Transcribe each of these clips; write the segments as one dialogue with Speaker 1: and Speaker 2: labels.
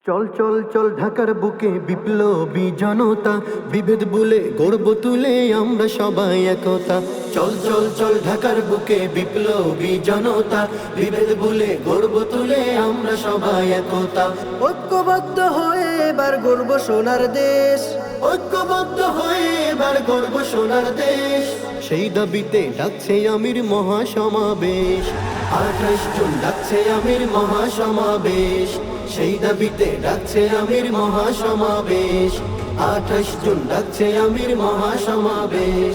Speaker 1: চল চল চল ঢাকার বুকে বিপ্লবী জনতা, বিভেদ ভুলে গর্ব তুলে আমরা সবাই একতা। চল চল চল ঢাকার বুকে বিপ্লবী জনতা, বিভেদ ভুলে গর্ব তুলে আমরা সবাই একতা।
Speaker 2: ঐক্যবদ্ধ হয়ে এবার গর্ব সোনার দেশ,
Speaker 1: ঐক্যবদ্ধ হয়ে এবার গর্ব সোনার দেশ। সেই দাবিতে ডাকছে আমির মহাসমাবেশ, 28 জুন ডাকছে আমির মহাসমাবেশ। সেই দাবিতে ডাকছে আমির মহাসমাবেশ, 28 জুন ডাকছে আমির মহাসমাবেশ।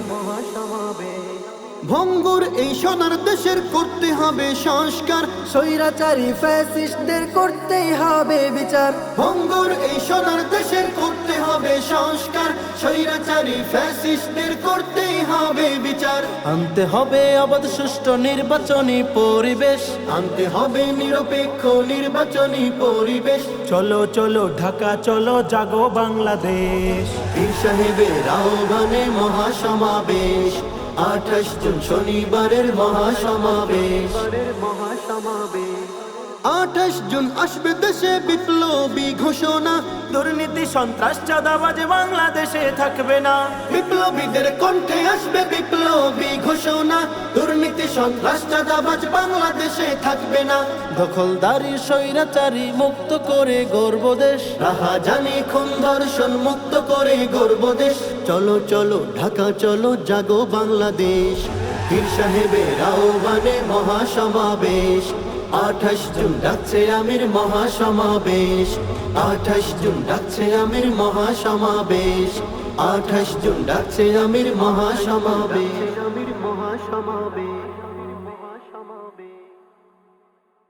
Speaker 1: ভঙ্গুর এই সোনার দেশের করতে হবে সংস্কার,
Speaker 2: স্বৈরাচারী ফ্যাসিস্টদের করতেই হবে বিচার।
Speaker 1: ভঙ্গুর এই সোনার দেশের করতে হবে সংস্কার, স্বৈরাচারী ফ্যাসিস্টদের করতেই হবে বিচার।
Speaker 2: আনতে হবে অবাধ সুষ্ঠু নির্বাচনী পরিবেশ,
Speaker 1: আনতে হবে নিরপেক্ষ নির্বাচনী পরিবেশ।
Speaker 2: চলো চলো ঢাকা চলো জাগো বাংলাদেশ।
Speaker 1: পীর সাহেবের আহ্বানে মহাসমাবেশ, 28 জুন শনিবারের মহাসমাবেশ। 28 জুন আসবে দেশে বিপ্লবী ঘোষণা,
Speaker 2: দুর্নীতি সন্ত্রাস চাঁদাবাজ বাংলাদেশে থাকবে না।
Speaker 1: বিপ্লবীদের কণ্ঠে আসবে বিপ্লবী ঘোষণা, দুর্নীতি সন্ত্রাস চাঁদাবাজ বাংলাদেশে থাকবে না।
Speaker 2: দখলদারি স্বৈরাচারী মুক্ত করে গর্ব দেশ,
Speaker 1: রাহাজানি খুন ধর্ষণ মুক্ত করে গর্ব দেশ। চলো চলো ঢাকা চলো জাগো বাংলাদেশ, পীর সাহেবের আহ্বানে মহাসমাবেশ। 28 জুন ডাকছে আমির মহাসমাবেশ, 28 জুন ডাকছে আমির মহাসমাবেশ। 28 জুন ডাকছে আমির মহাসমাবেশ।